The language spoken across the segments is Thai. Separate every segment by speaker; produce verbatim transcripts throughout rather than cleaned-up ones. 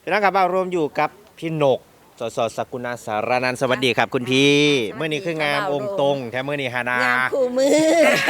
Speaker 1: พี่น้องครับเรารวมอยู่กับพี่นกสสสกุณาสารนันท์สวัสดีครับคุณพี่เมื่อนี้คืองามองค์ตรงแถมเมื่อนี้ฮานาง
Speaker 2: ามคู่มือง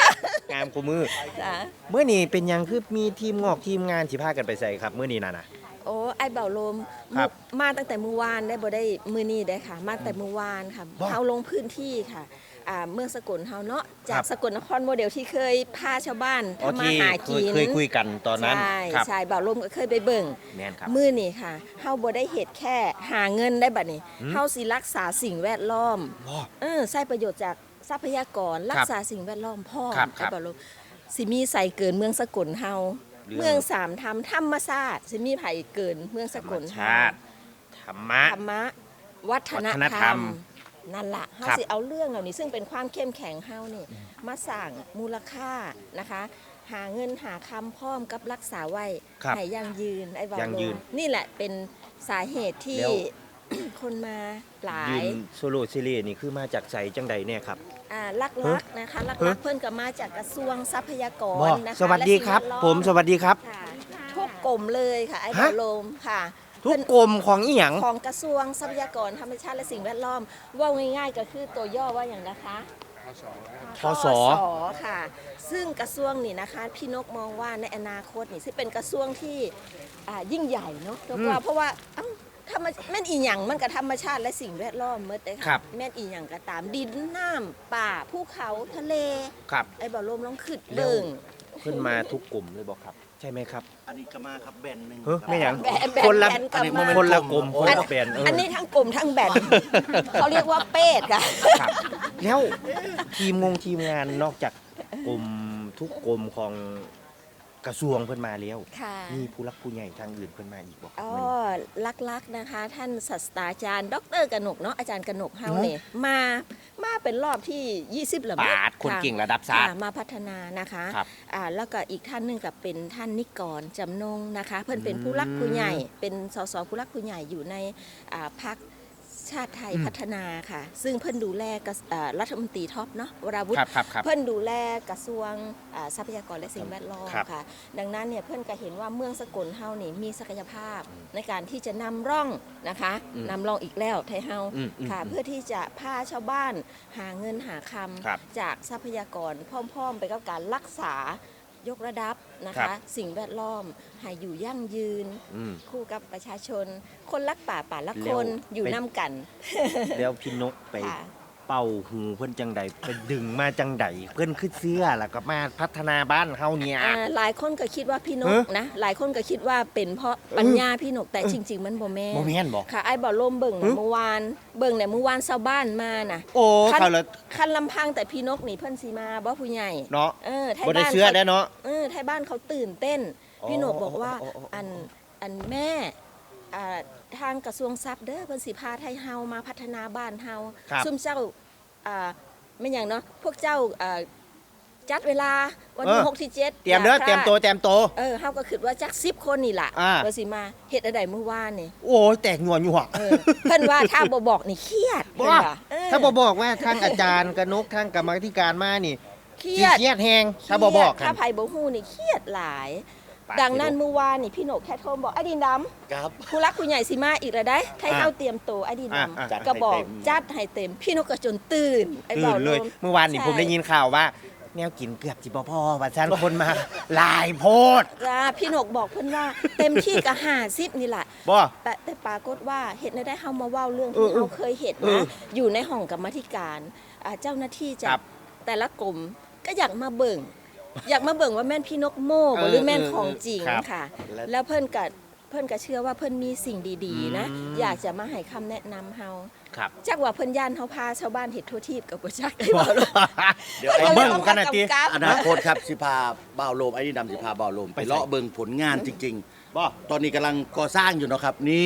Speaker 1: ามคู่มือ
Speaker 2: จ้ะ
Speaker 1: เมื่อนี้เป็นยังคือมีทีมงอกทีมงานที่พากันไปใส่ครับเมื่อนี้น่ะนะ
Speaker 2: โอ้ไอ้เบาลม
Speaker 1: ครับ
Speaker 2: มาตั้งแต่เมื่อวานได้บ่ได้มื้อนี้ได้ค่ะ มาแต่เมื่อวานค่ะ
Speaker 1: ว้า
Speaker 2: เฮาลงพื้นที่ค่ะอ่าเมืองสกลเฮาเนาะจา
Speaker 1: ครั
Speaker 2: ก
Speaker 1: บ
Speaker 2: สกลนครโมเดลที่เคยพาชาวบ้าน
Speaker 1: อ๋อ
Speaker 2: ทำมา
Speaker 1: ที่
Speaker 2: หา
Speaker 1: เค
Speaker 2: กิ
Speaker 1: ย
Speaker 2: น
Speaker 1: เคยคุยกันตอนนั้น
Speaker 2: ใช่
Speaker 1: ครับ
Speaker 2: ใช่เบาลมก็เคยไปเบิ่ง
Speaker 1: แน่นครับ
Speaker 2: มื้อนี้ค่ะเฮาบ่ได้เฮ็ดแค่หาเงินได้บัดนี้
Speaker 1: อืม
Speaker 2: เฮาสิรักษาสิ่งแวดล้อม
Speaker 1: ว้า
Speaker 2: เออใช้ประโยชน์จากทรัพยากรรักษาสิ่งแวดล้อมพ่อ
Speaker 1: ครับค
Speaker 2: ไอ้
Speaker 1: รับ
Speaker 2: บ่รู้สิมีใส่เกินเมืองสกลเฮา
Speaker 1: เรื่อง
Speaker 2: เมืองสามธรรมธรรมศาสตร์สิมีไผเกินเมืองส
Speaker 1: ธรร
Speaker 2: ก
Speaker 1: ม
Speaker 2: ล
Speaker 1: ชาติธรรมะ
Speaker 2: ธรรมะวัฒน
Speaker 1: วัฒนธ
Speaker 2: ธ
Speaker 1: ร
Speaker 2: ร
Speaker 1: ร
Speaker 2: ร
Speaker 1: ม
Speaker 2: มนั่นล่ะเฮา
Speaker 1: ครับ
Speaker 2: สิเอาเรื่องเหล่านี้ซึ่งเป็นความเข้มแข็งเฮานี่มาสร้างมูลค่านะคะ หาเงินหาคำพร้อมกับรักษาไว้
Speaker 1: ครับ
Speaker 2: ให้ยั่งยืนไอ้บ่าว
Speaker 1: ยั่งยืน
Speaker 2: โลนี่แหละเป็นสาเหตุที่
Speaker 1: แล้ว
Speaker 2: คนมาหลา
Speaker 1: ยื
Speaker 2: ย
Speaker 1: นโซโล่ซีรีส์นี่คือมาจากใจจังใดเนี่ยครับ
Speaker 2: อ่าลักๆนะคะลักๆเพื่อนก็มาจากกระทรวงทรัพยาก
Speaker 1: บ
Speaker 2: ร
Speaker 1: อก
Speaker 2: นะคะ
Speaker 1: สวัสดีครับ
Speaker 2: และ
Speaker 1: ผมสวัสดีครับ
Speaker 2: ค่ะทุกกรมเลยค่ะไอ้
Speaker 1: ฮะ
Speaker 2: บอลโลมค่ะ
Speaker 1: ทุกกรมของอีหยัง
Speaker 2: ของกระทรวงทรัพยากรธรรมชาติและสิ่งแวดล้อมว่าง่ายๆก็คือตัวย่อว่าอย่างนะคะ
Speaker 1: ทศ
Speaker 2: ค่ะ ซึ่งกระทรวงนี่นะคะพี่นกมองว่าในอนาคตนี่ซึ่งเป็นกระทรวงที่อ่ายิ่งใหญ่เนาะเพราะว่าเพราะว่าเอ้าธรรมแม่นอีหยังมันกับธรรมชาติและสิ่งแวดล้อมเมื่อแต่
Speaker 1: ครั
Speaker 2: ค่ะ
Speaker 1: บ
Speaker 2: แม่นอีหยังก็ตามดินน้ำป่าภูเขาทะเล
Speaker 1: ครับ
Speaker 2: ไอ้บ่อลมลองขึ้นเบิ่ง
Speaker 1: ขึ้นมาทุกกลุ่มเลยบอกครับ ใช่ไหมครับ
Speaker 3: อันนี้ก็มาครับแบนหนึ่ง
Speaker 1: เฮ้ย
Speaker 3: ครับ
Speaker 1: ไม่หยัง
Speaker 2: แบนแบน
Speaker 1: คนละ
Speaker 2: แบนกลับ
Speaker 3: อันนี้
Speaker 2: มา
Speaker 3: โมเมนต์
Speaker 1: คนละกลุ่ม
Speaker 3: โอ้
Speaker 1: คน
Speaker 2: อัน
Speaker 1: ละแบรนด์เออ
Speaker 2: อันนี้ทั้งกลุ่มทั้งแบนเขาเรียกว่าเป็ดค่ะ
Speaker 1: ครับแล้วทีมงงทีมงานนอกจากกลุ่มทุกกลุ่มของกระทรวงเพิ่นมาแล้ว
Speaker 2: ค่ะ
Speaker 1: มีผู้รักผู้ใหญ่ทางอื่นเพิ่นมาอีกบอก
Speaker 2: อ๋อลักๆนะคะ ท่านศาสตราจารย์ ดรกนกเนาะอาจารย์กนกเฮาเนี่ยมามาเป็นรอบที่ยี่สิบแล้วมั้ง
Speaker 1: ปาดคน
Speaker 2: ค่ะ
Speaker 1: เก่งระดับชาติ
Speaker 2: ค่ะมาพัฒนานะคะ
Speaker 1: ครับ
Speaker 2: อ่าแล้วก็อีกท่านหนึงกับเป็นท่านนิกรจำนงนะคะ เพื่อนเป็น
Speaker 1: อืม
Speaker 2: ผู้รักผู้ใหญ่ เป็นสสผู้รักผู้ใหญ่อยู่ในอ่าพรรคชาติไทย
Speaker 1: อืม
Speaker 2: พัฒนาค่ะ ซึ่งเพื่อนดูแลกระอ่ารัฐมนตรีท็อปเนาะวราวุธ
Speaker 1: ครับครับครับ
Speaker 2: เพื่อนดูแลกระทรวงอ่าทรัพยากรและสิ่งแวดล้อม
Speaker 1: ครับ
Speaker 2: ค่ะ ดังนั้นเนี่ยเพื่อนก็เห็นว่าเมืองสกลเฮานี่มีศักยภาพในการที่จะนำร่องนะคะ
Speaker 1: อืม
Speaker 2: นำร่องอีกแล้วไทยเฮา
Speaker 1: อืมอืม
Speaker 2: ค่ะ
Speaker 1: อืม
Speaker 2: เพื่อที่จะพาชาวบ้านหาเงินหาค
Speaker 1: ครับ
Speaker 2: ำจากทรัพยากรพร้อมๆ ไปกับการรักษายกระดับนะ
Speaker 1: ครั
Speaker 2: คะ
Speaker 1: บ
Speaker 2: สิ่งแวดล้อมให้อยู่ยั่งยืน
Speaker 1: อืม
Speaker 2: คู่กับประชาชน คนรักป่าป่ารัก
Speaker 1: แล้
Speaker 2: ค
Speaker 1: วน
Speaker 2: อยู่
Speaker 1: ไป
Speaker 2: น้ำกัน
Speaker 1: แล้วพี่นกไป
Speaker 2: ค่ะ
Speaker 1: เป่าหูเพิ่นจังใดไปดึงมาจังใดเพิ่นขึ้นเสื้อแล้วก็มาพัฒนาบ้านเฮาเนี่ย
Speaker 2: อ่าหลายคนก็คิดว่าพี่นก
Speaker 1: เอ๊ะ
Speaker 2: นะหลายคนก็คิดว่าเป็นเพราะปัญญาพี่นกแต่จริง ๆ มันบ่แม่น
Speaker 1: บ่แม่นบอก
Speaker 2: ค่ะไอ้บ่อลมเบิ่ง
Speaker 1: หึ
Speaker 2: นะเมื่อวานเบิ่งเนี่ยเมื่อวานชาวบ้านมาน่ะ
Speaker 1: โอ้
Speaker 2: คัน
Speaker 1: เขาละ
Speaker 2: คันลำพังแต่พี่นกนี่เพิ่นสีมาบ่ผู้ใหญ่
Speaker 1: เนาะ
Speaker 2: เออไทย
Speaker 1: บ่ได้
Speaker 2: บ้าน
Speaker 1: เสื้อ
Speaker 2: เขา
Speaker 1: ได้เนาะ
Speaker 2: เออไทยบ้านเขาตื่นเต้น
Speaker 1: อ๋อ
Speaker 2: พี่นกบอกว่า
Speaker 1: อ๋ออ๋ออ๋ออั
Speaker 2: อันอันแม่อ่าทางกระทรวงทรัพย์เด้อเพิ่นสิพาไทยเฮามาพัฒนาบ้านเฮา
Speaker 1: ครับ
Speaker 2: ซุ่มเจ้าอ่าไม่อย่างเนาะพวกเจ้าอ่าจัดเวลาวันที่
Speaker 1: เออ
Speaker 2: หกที่เจ็ด
Speaker 1: เตรียมเด้อ
Speaker 2: อาพลาด
Speaker 1: เตรียมตัวเตรียมตัว
Speaker 2: เออเฮาก็คิดว่าจักสิบคนนี่ล่ะ
Speaker 1: อ่า
Speaker 2: ว่าสิมาเฮ็ดอะไรเมื่อวานนี่
Speaker 1: โอ้ยแตกหนัวหนัว
Speaker 2: เออเพิ่นว่าถ้าบ่บอกนี่เครียด
Speaker 1: บ่
Speaker 2: เพิ่นว่าเออ
Speaker 1: ถ้าบ่บอกว่าทางอาจารย์กนกทางกรรมาธิการมานี่
Speaker 2: เครี
Speaker 1: สิ
Speaker 2: ยด
Speaker 1: เครียดแฮงถ้าบ่บอกกั
Speaker 2: ถ้าน ไผบ่ฮู้นี่เครียดหลาย
Speaker 1: ปาด
Speaker 2: ดังนั้น
Speaker 1: สิลูก
Speaker 2: เมื่อวานนี่พี่โหนกแค่โทรบอกไอ้ดินดำ
Speaker 3: ครับ
Speaker 2: ผู้รักผู้ใหญ่สิมาอีกแล้วได้ให้
Speaker 1: อ่ะ
Speaker 2: เฮาเตรียมตัวไอ้ดินด
Speaker 1: อ่ะอ่ะ
Speaker 3: จัด
Speaker 2: ำก็บอก
Speaker 3: ให้เต็ม
Speaker 2: จัดให้เต็ม พี่นกก็จนตื่นไอ้
Speaker 1: ตื่
Speaker 2: เบาน
Speaker 1: เลย
Speaker 2: ม
Speaker 1: เมื่อวานนี่
Speaker 2: ใช่
Speaker 1: ผมได้ยินข่าวว่า แนวกินเกือบสิบ่พอว่าซั่นคนมาหลายโพด
Speaker 2: จ้าพี่นกบอกเพิ่นว่าเต็มที่ก็ห้าสิบนี่แหละ
Speaker 1: บ่
Speaker 2: แต่แต่ปรากฏว่าเห็ดได้เฮามาเว้าเรื่อง
Speaker 1: เอ
Speaker 2: ที่
Speaker 1: อเออ
Speaker 2: เฮาเคยเห็น
Speaker 1: เออ
Speaker 2: นะอยู่ในห้องกรรมาธิการอ่าเจ้าหน้าที่จา
Speaker 1: ครั
Speaker 2: ก
Speaker 1: บ
Speaker 2: แต่ละกลุ่มก็อยากมาเบิ่ง อยากมาเบิ่งว่าแม่นพี่นกโม่บ่หรือแม่นของจริง
Speaker 1: ครับ
Speaker 2: ค่ะ
Speaker 3: และ
Speaker 2: แล้วเพิ่นก็เพิ่นก็เชื่อว่าเพิ่นมีสิ่งดีๆ นะ
Speaker 1: อืม
Speaker 2: อยากจะมาให้คำแนะนำเฮา
Speaker 1: ครับ
Speaker 2: จักว่าเพิ่นย่านเฮาพาชาวบ้านเฮ็ดทั่วทีบกับบ่จักได้บ่ลูก
Speaker 3: เดี๋ยว
Speaker 1: ไอ้
Speaker 3: ไอ้
Speaker 1: เบิ่
Speaker 3: เบิ่
Speaker 1: ง
Speaker 3: ง
Speaker 1: กันน่ะติ
Speaker 2: กำกับ
Speaker 3: อนาคตครับสิพาบ่าวโลมไอ้นี่ดำสิพาบ่าวโลม
Speaker 1: ไป
Speaker 3: ไป
Speaker 1: ใส่
Speaker 3: เลาะเบิ่งผลงานจริง
Speaker 1: บ่
Speaker 3: ๆ ตอนนี้กำลังก่อสร้างอยู่เนาะครับ นี่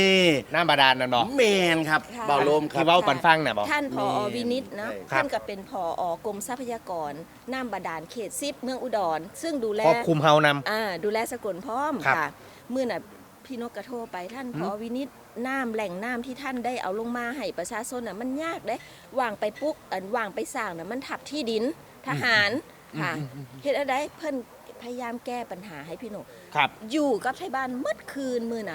Speaker 1: น้ำบาดาลนั่นบ่
Speaker 3: แมนครับ
Speaker 2: ค่ะ
Speaker 3: บ่าวโลมครั
Speaker 1: ที่
Speaker 3: บ
Speaker 1: เว้าปันฟังน่ะบ่
Speaker 2: ท่านผอ
Speaker 3: นี่
Speaker 2: วินิตนะ
Speaker 3: ครับ
Speaker 2: ท่านก็เป็นผอกรมทรัพยากรน้ำบาดาลเขตสิบเมืองอุดร ซึ่งดูแล
Speaker 1: ครอบคลุมเฮานำ
Speaker 2: อ่าดูแลสกลพร้อม
Speaker 1: ครับ
Speaker 2: ค่ะเมื่อน่ะพี่นกกระโทรไปท่านผอวินิตน้ำแหล่งน้ำที่ท่านได้เอาลงมาให้ประชาชนน่ะมันยากเด้วางไปปุ๊กอันวางไปสร้างน่ะมันทับที่ดินทหารค่ะเฮ็ดอะไรเพิ่นพยายามแก้ปัญหาให้พี่นก
Speaker 1: ครับ
Speaker 2: อยู่กับไทยบ้านมืดคืนมือน่ะพ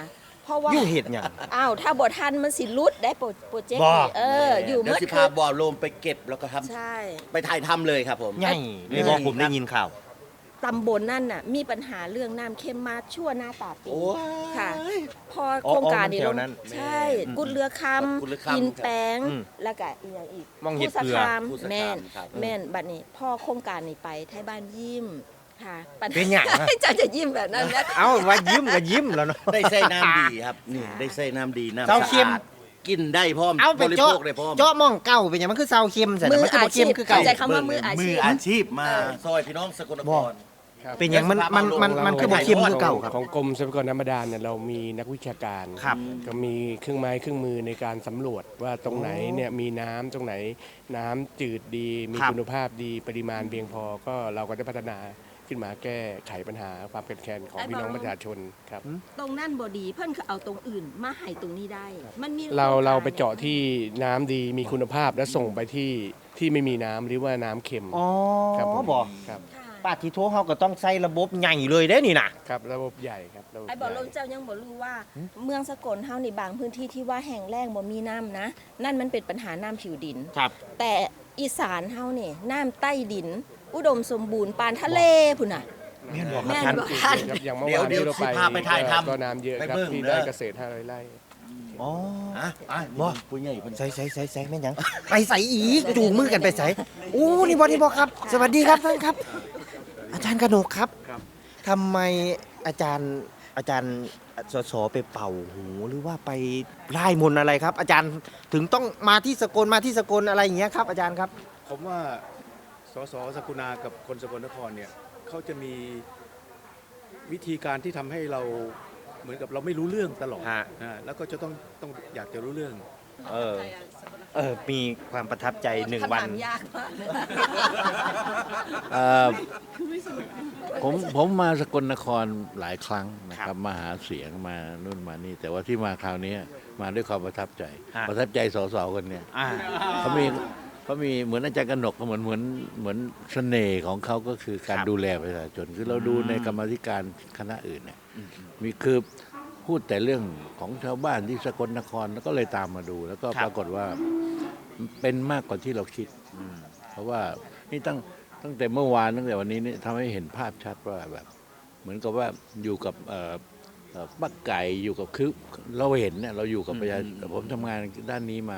Speaker 2: เพราะว่า
Speaker 1: อยู่เฮ็ดหยัง
Speaker 2: อ้าวถ้าบ่ทันมันสิหลุดได้โปรโปรเจกต์
Speaker 1: บ่
Speaker 2: นี่เอออยู่
Speaker 3: เดี๋ย
Speaker 2: เมื่
Speaker 3: ว
Speaker 2: อ
Speaker 3: สิ
Speaker 2: คื
Speaker 3: พาน บ่อโลมไปเก็บแล้วก็ทำ
Speaker 2: ใช่
Speaker 3: ไปถ่ายทำเลยครับผม
Speaker 1: ใหญ่เลยบอกผมได้ยินข่าว
Speaker 2: ตำบลนั่นน่ะมีปัญหาเรื่องน้ำเค็มมาชั่วหน้าตาปี
Speaker 3: โอ้ย
Speaker 2: ค่ะ พอ
Speaker 1: อ๋อ
Speaker 2: โครงการนี้
Speaker 1: อ๋อมันแถ
Speaker 2: ล
Speaker 1: ว
Speaker 2: ง
Speaker 1: นั้น
Speaker 2: ใช่
Speaker 1: อืม
Speaker 2: กุดเรือค
Speaker 3: กุดเรือ
Speaker 2: ำ
Speaker 3: คำ
Speaker 2: อินแปง
Speaker 1: อืม
Speaker 2: แล้วก็อีกอย่างอีก
Speaker 1: มองเห็ด
Speaker 2: ผู้ส
Speaker 1: เกลือ
Speaker 2: คาม
Speaker 3: ผู้สคาม
Speaker 2: แม่น
Speaker 3: ครับ
Speaker 2: แม่นบัดนี้พ่อโครงการนี้ไปไทยบ้านยิ้มค่ะปัญหา
Speaker 1: เป็นหยังอะ
Speaker 2: จะจะยิ้มแบบนั้นนะ
Speaker 1: เอ้าว่ายิ้มก็ยิ้มแล้วเนาะ
Speaker 3: ได้ใส่น้ำดีครับนี่ได้ใส่น้ำดีน้ำ
Speaker 1: เต้า
Speaker 3: สะ
Speaker 1: เค็ม
Speaker 3: อาดกินได้พร้อม
Speaker 1: เอาไป
Speaker 3: บริ
Speaker 1: เจาะ
Speaker 3: โภคได้พร้อม
Speaker 1: เจาะหมองเก่าเป็นหยังมันคือเซาเค็มใส่
Speaker 2: มือ
Speaker 1: มันคือ
Speaker 2: อา
Speaker 1: บ่
Speaker 2: ชี
Speaker 1: เค็ม
Speaker 2: พ
Speaker 1: คือเก่า
Speaker 2: เข้าใจคำว่ามืออาชีพ
Speaker 3: มืออาชีพมา
Speaker 2: เออ
Speaker 3: ซอยพี่น้องสกลนคร
Speaker 1: เป็นหยังมันมันมันมันคือบ่เค็มคือเก่าครับ
Speaker 4: ของกรมทรัพยากรน้ำบาดาลเนี่ยเรามีนักวิชาการ
Speaker 1: ครับ
Speaker 4: ก็มีเครื่องไม้เครื่องมือในการสำรวจว่าตรงไหนเนี่ยมีน้ำตรงไหนน้ำจืดดี มี
Speaker 1: ครับ
Speaker 4: คุณภาพดีปริมาณเพียงพอก็เราก็ได้พัฒนาขึ้นมาแก้ไขปัญหาความเป็นแคลนของพี่น้องประชาชนครับ
Speaker 2: ตรงนั่นบดีเพิ่นก็เอาตรงอื่นมาให้ตรงนี้ได้ มันมี
Speaker 4: เรา
Speaker 2: โคงก
Speaker 4: เราไปเจาะที่น้ำดีมีคุณภาพและส่งไปที่ที่ไม่มีน้ำหรือว่าน้ำเค็ม
Speaker 1: อ๋อ
Speaker 4: ครับผม
Speaker 1: บอก
Speaker 4: ครับ
Speaker 2: ค่ะ
Speaker 1: ป้าทิโทเฮาก็ต้องใส่ระบบใหญ่เลยเด้นี่น่ะ
Speaker 4: ครับระบบใหญ่ครับระบบ
Speaker 2: ไอ้บอก
Speaker 4: ให
Speaker 2: ล
Speaker 4: ญ่
Speaker 2: มเจ้ายังบ่รู้ว่า เมืองสกลเฮาในบางพื้นที่ที่ว่าแห้งแล้งบ่มีน้ำนะ นั่นมันเป็นปัญหาน้ำผิวดิน
Speaker 1: ครับ
Speaker 2: แต่อีสานเฮานี่น้ำใต้ดิน อุดมสมบูรณ์ปานทะเลพุ่นน่ะ
Speaker 1: แม่นบอกค
Speaker 2: แม่
Speaker 1: รับ
Speaker 2: น
Speaker 1: ท่าน
Speaker 2: บ่
Speaker 4: ครับอย่างเมื่อ
Speaker 3: เดี๋ยว
Speaker 4: วาน
Speaker 3: เดี๋ยว
Speaker 4: ที่เรา
Speaker 3: สิพาไปถ่ายทำ
Speaker 4: ก็น้ำเยอะ
Speaker 3: ไป
Speaker 4: ครับ
Speaker 3: เบิ่ง
Speaker 4: ที่
Speaker 3: เด้
Speaker 4: ได้
Speaker 3: อ
Speaker 4: เกษตรห้าร้อยไร่
Speaker 1: อ๋อ
Speaker 3: อ่ะอ่ะ
Speaker 1: บ่
Speaker 3: ผู้ใหญ่เพิ่น
Speaker 1: ใส่ใส่ใส่ใส่แม่นหยัง ไปใส่อีกจูงมือกันไปใส่อู้นี่บ่นี่บ่ครับ สวัสดีครับท่านครับ อาจารย์กนกครับทำไมอาจารย์อาจารย์สสไปเป่าหูหรือว่าไปไล่มนต์อะไรครับ อาจารย์ถึงต้องมาที่สกลมาที่สกลอะไรอย่างเงี้ยครับ อาจารย์ครับ
Speaker 5: ผมว่าสสสกุณากับคนสกลนครเนี่ยเขาจะมีวิธีการที่ทำให้เราเหมือนกับเราไม่รู้เรื่องตลอด
Speaker 1: ฮะ
Speaker 5: อ่าแล้วก็จะต้องต้องอยากจะรู้เรื่อง
Speaker 1: เออ เออ มีความประทับใจหนึ่งวัน
Speaker 2: คำถามยากมาก
Speaker 6: เอ่อผมผมมาสกลนครหลายครั้งนะค
Speaker 1: ครั
Speaker 6: รับบ มาหาเสียงมานู่นมานี่ แต่ว่าที่มาคราวนี้มาด้วยความประทับใจ
Speaker 1: ฮะ
Speaker 6: ประทับใจสสคนเนี่ย
Speaker 1: อ่า
Speaker 6: เขามีเขามีเหมือนอาจารย์กนกเหมือนเหมือนเหมือนเสน่ห์ของเขาก็คือการ
Speaker 1: ครับ
Speaker 6: ดูแลประชาชนคือเราดู
Speaker 1: อืม
Speaker 6: ในกรรมาธิการคณะอื่นเนี่ยมีคือพูดแต่เรื่องของชาวบ้านที่สกลนครแล้วก็เลยตามมาดู แล้วก็ปรากฏว่าเป็นมากกว่าที่เราคิด เพราะว่านี่ตั้งตั้งแต่เมื่อวานตั้งแต่วันนี้นี่ทำให้เห็นภาพชัดว่าแบบ เหมือนกับว่าอยู่กับเอ่อเอ่อป้าไก่อยู่กับคือเราเห็นเนี่ยเราอยู่กับประชาชนผมทำงานด้านนี้มา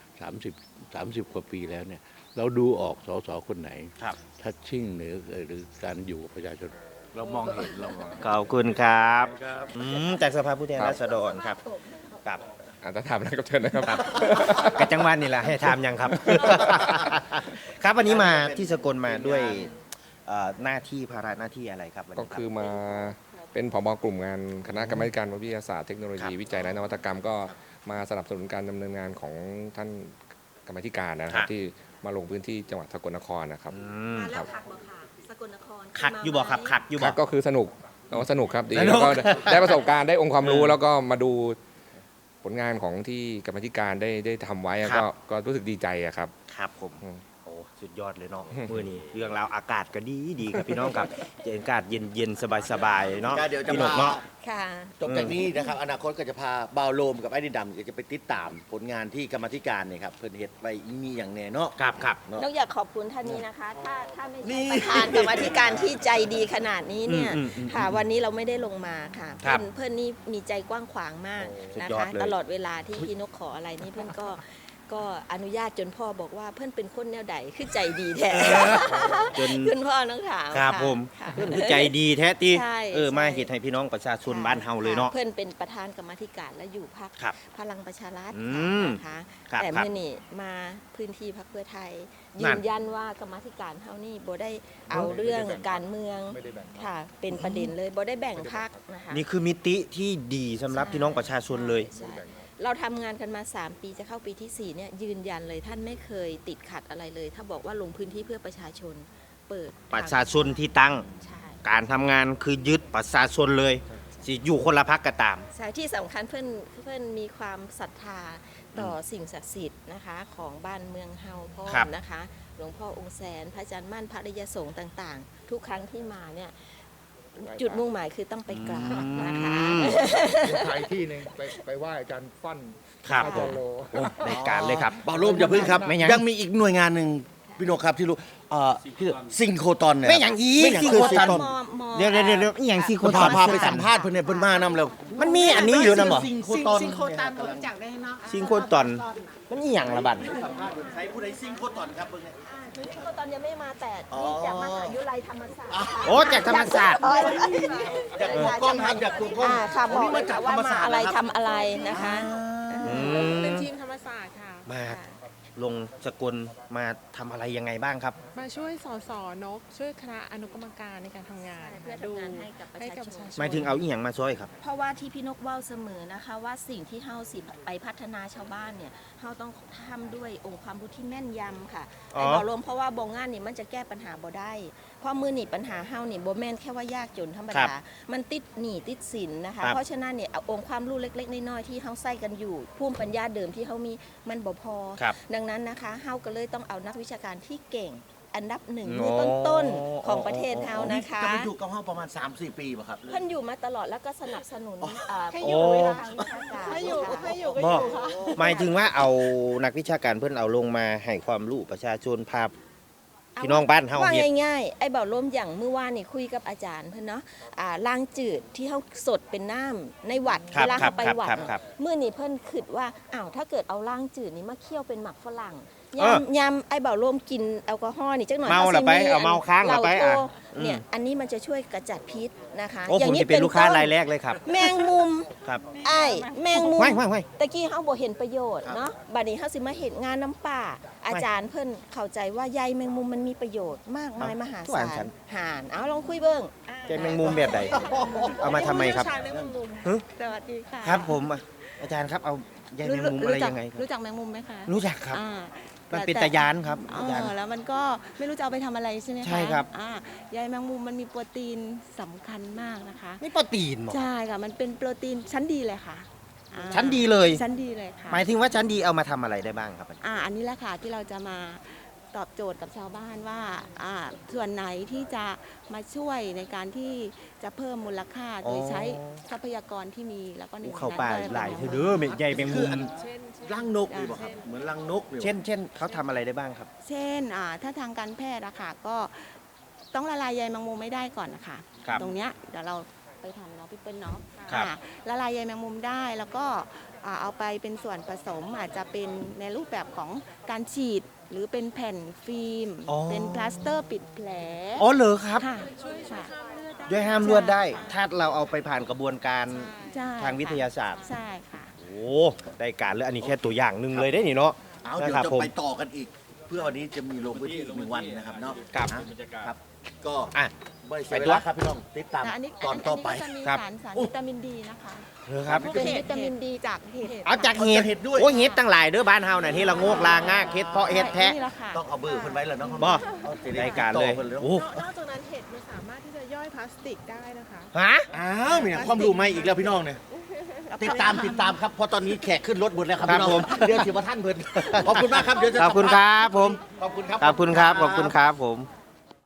Speaker 6: 30 30 กว่าปีแล้วเนี่ย เราดูออกสสคนไหน
Speaker 1: ครับ
Speaker 6: ทัชชิ่งหรือหรือการอยู่กับประชาชน เรามองเห็นเรามอง
Speaker 1: ขอบคุณครับอืมจากสภาผู้แทนราษฎรครับกับ
Speaker 7: อาจจะถามอะไรก็เชิญนะครับ
Speaker 1: กระจังหวัดนี่แหละให้ถามยังครับ ครับวันนี้มาที่สกลมาด้วยเอ่อหน้าที่ภาระหน้าที่อะไรครับวัน
Speaker 7: ก็
Speaker 1: นี้รับ
Speaker 7: คือมาเป็นผบกลุ่มงานคณะกรรมาธิการวิทยาศาสตร์เทคโนโลยี
Speaker 1: ครับ
Speaker 7: วิจัยและนวัตกรรมก็มาสนับสนุนการดำเนินงานของท่านกรรมาธิการนะครับที่มาลงพื้นที่จังหวัดสกลนครนะครับ
Speaker 1: อืม
Speaker 2: มาแล้วคักบ่ค่ะสกลนคร
Speaker 1: คักอยู่บ่ครับคักอยู่
Speaker 7: ค
Speaker 1: บ่
Speaker 7: รับก็คือสนุกเราสนุกครับดี
Speaker 1: สนุ
Speaker 7: แล้
Speaker 1: ก
Speaker 7: วก็ได้ประสบการณ์ได้องค์ความรู้
Speaker 1: เออ
Speaker 7: แล้วก็มาดูผลงานของที่กรรมาธิการได้ได้ทำไว้อะ
Speaker 1: ครั
Speaker 7: ก็
Speaker 1: บ
Speaker 7: ก็รู้สึกดีใจอะครับ
Speaker 1: ครับผม
Speaker 7: อืม
Speaker 1: โอ้สุดยอดเลยเนาะมื้อนี้เรื่องราวอากาศก็ดีดีครับพี่น้องครับอากาศเย็นเย็นสบายสบายๆเนาะ
Speaker 3: ก็เดี๋ยวจะ
Speaker 1: พี่นก
Speaker 3: พา
Speaker 1: เนาะ
Speaker 2: ค่ะ
Speaker 3: จบจากนี้นะครับอนาคตก็จะพาบ่าวโลมกับไอ้ดินดำก็จะไปติดตามผลงานที่กรรมาธิการเนี่ยครับเพิ่นเฮ็ดไว้มีอย่างแน่เนาะ
Speaker 1: ครับครับ
Speaker 3: เนาะ
Speaker 2: นกอยากขอบคุณท่านนี้นะคะ ถ้าถ้าไม่
Speaker 3: นี่
Speaker 2: ใช่ประธานกรรมาธิการที่ใจดีขนาดนี้เนี่ย
Speaker 1: อืมอืมอืม
Speaker 2: ค่ะ วันนี้เราไม่ได้ลงมาค่ะ
Speaker 1: ครั
Speaker 2: เพื่
Speaker 1: บ
Speaker 2: อนเพื่อนนี่มีใจกว้างขวางมาก
Speaker 1: โอ้สุด
Speaker 2: นะ
Speaker 1: ยอด
Speaker 2: คะ
Speaker 1: เลย
Speaker 2: ตลอดเวลาที่พี่นกขออะไรนี่เพื่อนก็ก็อนุญาตจนพ่อบอกว่าเพื่อนเป็นคนแนวใดคือใจดีแท้
Speaker 1: จน
Speaker 2: คุณพ่อน้องถาม
Speaker 1: ครับ
Speaker 2: ะ
Speaker 1: ผม
Speaker 2: ค่ะ
Speaker 1: เพื่อนคือใจดีแท้ตี
Speaker 2: ใช่
Speaker 1: เออมา
Speaker 2: ใช่
Speaker 1: เฮ็ดให้พี่น้องประชาชนบ้านเฮาเลยเนาะ
Speaker 2: เพื่อนเป็นประธานกรรมาธิการและอยู่พรรค
Speaker 1: ครับ
Speaker 2: พลังประชารัฐ
Speaker 1: อืม
Speaker 2: นะคะ
Speaker 1: ครับ
Speaker 2: แต่
Speaker 1: ครับ
Speaker 2: เมื่อนี่มาพื้นที่พรรคเพื่อไทย
Speaker 1: นั่
Speaker 2: ยื
Speaker 1: น
Speaker 2: นยันว่ากรรมาธิการเฮานี่บ่ได้เอาเรื่องการเมืองค่ะ เป็นประเด็นเลยบ่ได้แบ่งพรรคนะคะ
Speaker 1: นี่คือมิติที่ดีสำหรับ
Speaker 2: ใช่
Speaker 1: พี่น้องประชาชนเลย
Speaker 2: ใช่เราทำงานกันมา สาม ปีจะเข้าปีที่สี่เนี่ยยืนยันเลยท่านไม่เคยติดขัดอะไรเลย ถ้าบอกว่าลงพื้นที่เพื่อประชาชนเปิด
Speaker 1: ประชาชนที่ตั้ง
Speaker 2: ใช่
Speaker 1: การทำงานคือยึดประชาชนเลยสิอยู่คนละพักก็ตาม
Speaker 2: ใช่ที่สำคัญเพื่อนเพื่อนมีความศรัทธาต่อสิ่งศักดิ์สิทธิ์นะคะของบ้านเมืองเฮาพ่อ
Speaker 1: ครับ
Speaker 2: นะคะ หลวงพ่อองค์แสนพระอาจารย์มั่นพระอริยสงฆ์ต่างๆ ทุกครั้งที่มาเนี่ยจุดมุ่งหมายคือต้องไปกราบนะคะ
Speaker 8: ไทยที่หนึ่งไปไปไหว้อาจารย์ฟั่น
Speaker 1: ครับ
Speaker 8: อา
Speaker 1: ผ
Speaker 8: จาม รย์โล
Speaker 1: โอ้ในการเลยครับ
Speaker 3: บ่าวโลมอย่าพึ่งครับ
Speaker 1: ไม่ยัง
Speaker 3: ยังมีอีกหน่วยงานหนึ่งพี่โนกครับที่รู้เอ่อที่ซิงโครตอนเนี่ย
Speaker 1: ไม่อย่างอีก
Speaker 3: ไม่อย่าง
Speaker 1: ซิง
Speaker 3: คือ
Speaker 1: โคร
Speaker 3: ซิง
Speaker 1: ตอน
Speaker 3: โครตอน
Speaker 1: เดี๋ยวเดี๋ยวเดี๋ยวอหย่างซีโค
Speaker 3: คน
Speaker 1: ต
Speaker 3: พา
Speaker 1: อน
Speaker 3: พาไปสัมภาษณ์เพิ่นเนี่ยเพิ่นมานำแล้ว
Speaker 1: มันมีอันนี้อยู่นะบ่
Speaker 3: ซิงโครตอน
Speaker 9: ซิงโครตันรู้จักได้เนาะ
Speaker 1: ซิงโคตอนมันอหย่างละบัด
Speaker 3: ใช้ผู้ใดซิงโครตอนครับเบิ่งเนี่ย
Speaker 2: ซิงโครตอนยังไม่มาแต่
Speaker 3: อ๋อ
Speaker 2: นี่จากมหาวิทยาลัยธรรมศาสตร์
Speaker 1: โอ้จากธรรมศาสตร์
Speaker 3: อยากดูกล้องครับอยากดูกล้อง
Speaker 2: อ่าค่ะบอก
Speaker 3: นี่มาจากธร
Speaker 2: ว่าร
Speaker 3: ม
Speaker 2: มา
Speaker 3: ศาสตร์
Speaker 2: อะไร
Speaker 3: นะค
Speaker 2: ทำ
Speaker 3: รับ
Speaker 2: อะไรนะคะ
Speaker 1: อืม
Speaker 9: เป็นทีมธรรมศาสตร์ค่ะ
Speaker 1: มาลงสกลมาทำอะไรยังไงบ้างครับ
Speaker 9: มาช่วยสสนก ช่วยคณะอนุกรรมการในการทำงาน
Speaker 2: เพื่อทำงานให้กับประ
Speaker 9: ให้
Speaker 2: ชา
Speaker 9: กับ
Speaker 2: ช
Speaker 9: ประชาน ชน
Speaker 1: หมายถึงเอาอีหยังมาช่วยครับ
Speaker 2: เพราะว่าที่พี่นกเว้าเสมอนะคะว่าสิ่งที่เฮาสิไปพัฒนาชาวบ้านเนี่ยเฮาต้องทำด้วยองค์ความรู้ที่แม่นยำค่ะ
Speaker 1: อ๋อ
Speaker 2: ไอ้บ่รวมเพราะว่าบ่งานนี่มันจะแก้ปัญหาบ่ได้ เพราะมือนี่ปัญหาเฮานี่บ่แม่นแค่ว่ายากจนธรรมดา มันติดหนี้ติดสินนะคะ
Speaker 1: ครับ
Speaker 2: เพราะฉะนั้นเนี่ยเอาองค์ความรู้เล็กๆน้อยๆที่เฮาใส่กันอยู่ภูมิปัญญาเดิมที่เฮามีมันบ่พอ
Speaker 1: ครับ
Speaker 2: ดังนั้นนะคะเฮาก็เลยต้องเอานักวิชาการที่เก่ง อันดับหนึ่ง
Speaker 1: โอ้
Speaker 2: มือต้นๆของประเทศเฮานะคะ
Speaker 3: จะไปอยู่กับเฮาประมาณ สามสี่ ปีป่ะครับ
Speaker 2: เพิ่นอยู่มาตลอดแล้วก็สนับสนุนอ่า
Speaker 9: ให้
Speaker 1: อยู่
Speaker 2: โ
Speaker 1: เวลา
Speaker 2: ทางวิชาการ
Speaker 9: ให้อยู่
Speaker 2: ค่ะ
Speaker 9: ให้อยู่ก็
Speaker 1: บ
Speaker 9: อ
Speaker 1: อก
Speaker 9: ยู่ค่ะ
Speaker 1: หมายถึงว่าเอานักวิชาการเพื่อนเอาลงมาให้ความรู้ประชาชนพาพี่น้องบ้านเฮา
Speaker 2: ว่า
Speaker 1: เฮ็ด
Speaker 2: ง่ายๆไอ้เบาลมอย่างเมื่อวานนี่คุยกับอาจารย์เพิ่นเนาะอ่าล้างจืดที่เฮาสดเป็นน้ำในวัด
Speaker 1: ครับ
Speaker 2: เวลา
Speaker 1: ครั
Speaker 2: เฮา
Speaker 1: บ
Speaker 2: ไป
Speaker 1: ครับ
Speaker 2: วัด
Speaker 1: ครับ
Speaker 2: เนี่ย
Speaker 1: ครับ
Speaker 2: มื้อนี้เพิ่นคิดว่าอ้าวถ้าเกิดเอาล้างจืดนี่มาเคี่ยวเป็นหมักฝรั่ง
Speaker 1: เออย
Speaker 2: ำยำไอ้เบาลมกินแอลกอฮอล์นี่จักหน่อย
Speaker 1: เมาละไปเอาเมาค้างละไปอ่ะ
Speaker 2: เหล้าโท
Speaker 1: อืม
Speaker 2: เนี่ยอันนี้มันจะช่วยกระจัดพิษนะคะ
Speaker 1: โอ้ผมจะเป็นลูกค้ารายแรกเลยครับ
Speaker 2: แมงมุม
Speaker 1: ครับ
Speaker 2: ไอ้แมงมุม
Speaker 1: ไม่ไม่ไม่
Speaker 2: ตะกี้เขาบ่เห็นประโยชน์เนาะบัดนี้เขาสิมาเห็นงานน้ำป่า อาจารย์เพิ่นเข้าใจว่าใยแมงมุมมันมีประโยชน์มากมายมหา
Speaker 1: ทุกอั
Speaker 2: ศาน
Speaker 1: ฉั
Speaker 2: ล
Speaker 1: น
Speaker 2: หานเอาลองคุยเบิ่ง
Speaker 1: ใจแมงมุมแบบใดเอามาทำไมครับ
Speaker 9: ผู้เชี่ยวชาญเรื่องแมงมุม
Speaker 1: ฮะ
Speaker 9: สวัสดีค่ะ
Speaker 1: ครับผมอ่ะอาจารย์ครับเอาใยแมงมุมอะไรยังไงครับ
Speaker 9: รู้จักแมงมุมไหมคะ
Speaker 1: รู้จักครับ
Speaker 9: อ่า
Speaker 1: มัน
Speaker 9: แต่
Speaker 1: เป็น
Speaker 9: แต่
Speaker 1: ตะยานครับ
Speaker 9: อ๋
Speaker 1: อาจารย์
Speaker 9: อแล้วมันก็ไม่รู้จะเอาไปทำอะไรใช่ไหมคะ
Speaker 1: ใช่ครับ
Speaker 9: อ่าใยแมงมุมมันมีโปรตีนสำคัญมากนะคะ
Speaker 1: นี่โปรตีนเหรอ
Speaker 9: ใช่ค่ะ มันเป็นโปรตีนชั้นดีเลยค่ะอ่า
Speaker 1: ชั้นดีเลย
Speaker 9: ชั้นดีเลยค่ะ
Speaker 1: หมายถึงว่าชั้นดีเอามาทำอะไรได้บ้างครับ
Speaker 9: อ่าอันนี้แหละค่ะที่เราจะมาตอบโจทย์กับชาวบ้านว่าอ่าส่วนไหนที่จะมาช่วยในการที่จะเพิ่มมูลค่าโดย
Speaker 1: อ๋อ
Speaker 9: ใช้ทรัพยากรที่มีแล้วก็ใน
Speaker 1: เข้าป่า
Speaker 9: นั้นก็
Speaker 1: หลาย
Speaker 9: ป็น
Speaker 1: เธอเด้อใยแมงมุม
Speaker 9: เช่น
Speaker 3: รังนกนี่บ่ครับ เหมือนรังนกนี่บ่
Speaker 1: เช่นเช่นเขาทำอะไรได้บ้างครับ
Speaker 9: เช่นอ่าถ้าทางการแพทย์อะค่ะก็ต้องละลายใยแมงมุมไม่ได้ก่อนนะคะ
Speaker 1: ครับ
Speaker 9: ตรงเนี้ยเดี๋ยวเราไปทำเนาะพี่เปิ้ลเนาะ
Speaker 1: ครับ
Speaker 9: อ่าละลายใยแมงมุมได้แล้วก็อ่าเอาไปเป็นส่วนผสมอาจจะเป็นในรูปแบบของการฉีด หรือเป็นแผ่นฟิล์ม
Speaker 1: อ๋อ
Speaker 9: เป็นพลาสเตอร์ปิดแผล
Speaker 1: อ๋อเหรอครับ
Speaker 9: ค่ะค่ะ
Speaker 1: ด้วยห้ามเลือดได้ ถ้าเราเอาไปผ่านกระบวนการ
Speaker 9: ใช่
Speaker 1: ทางวิทยาศาสตร์
Speaker 9: ใช่ค่ะ
Speaker 1: โอ้ได้การเลยอันนี้แค่ตัวอย่างหนึ่งเลยได้นี่เนาะ
Speaker 3: เอาเดี๋ยว
Speaker 1: นะครับ
Speaker 3: จะ
Speaker 1: ผม
Speaker 3: ไปต่อกันอีก เพื่อวันนี้จะมีลงพื้นที่อีกหนึ่งวันนะครับเนาะ
Speaker 1: ครับ
Speaker 3: นะครับ ก็
Speaker 1: อ่ะ
Speaker 3: ไม่เสียเวลาครับพี่น้องติดตาม
Speaker 9: แต่อันนี้
Speaker 3: ตอนต่อไป
Speaker 9: นนี้ก็จะมี
Speaker 1: ครับ
Speaker 9: สารสาร
Speaker 3: โอ้
Speaker 9: วิตามินดีนะคะ
Speaker 1: เหรอครับ
Speaker 9: เป็นวิตามินดีจากเห็ด
Speaker 1: เอาจากเห็ด
Speaker 3: เห็ดด้วย
Speaker 1: โอ้ยเห็ดตั้งหลายเด้อบ้านเฮาน่ะที่ละโงกลางากเห็ดเพาะเห็ดแทะ
Speaker 9: นี่แหละค่ะ
Speaker 3: ต้องเอาเบอร์เพิ่นไว้แล้วเนาะ
Speaker 1: บ่
Speaker 3: เอาสิ
Speaker 1: ได้การเลย
Speaker 3: ติดต่อพิ่นแล้ว
Speaker 1: โอ้
Speaker 9: นอกจากนั้นเห็ดมันสามารถที่จะย่อยพลาสติกได้นะคะ
Speaker 1: ฮะ
Speaker 3: อ้าวมีความรู้ใหม่อีกแล้วพี่น้องเนี่ยติดตามติดตามครับเพราะตอนนี้แขกขึ้นรถหมดแล้วครับ
Speaker 1: ครับ
Speaker 3: พี่น้อง
Speaker 1: ผม
Speaker 3: เดี๋ยวถือว่าท่านเพิ่นขอบคุณมากครับเดี๋ยวจะ
Speaker 1: ขอบคุณครับผม
Speaker 3: ขอบคุณครับ
Speaker 1: ขอบคุณครับขอบคุณครับผม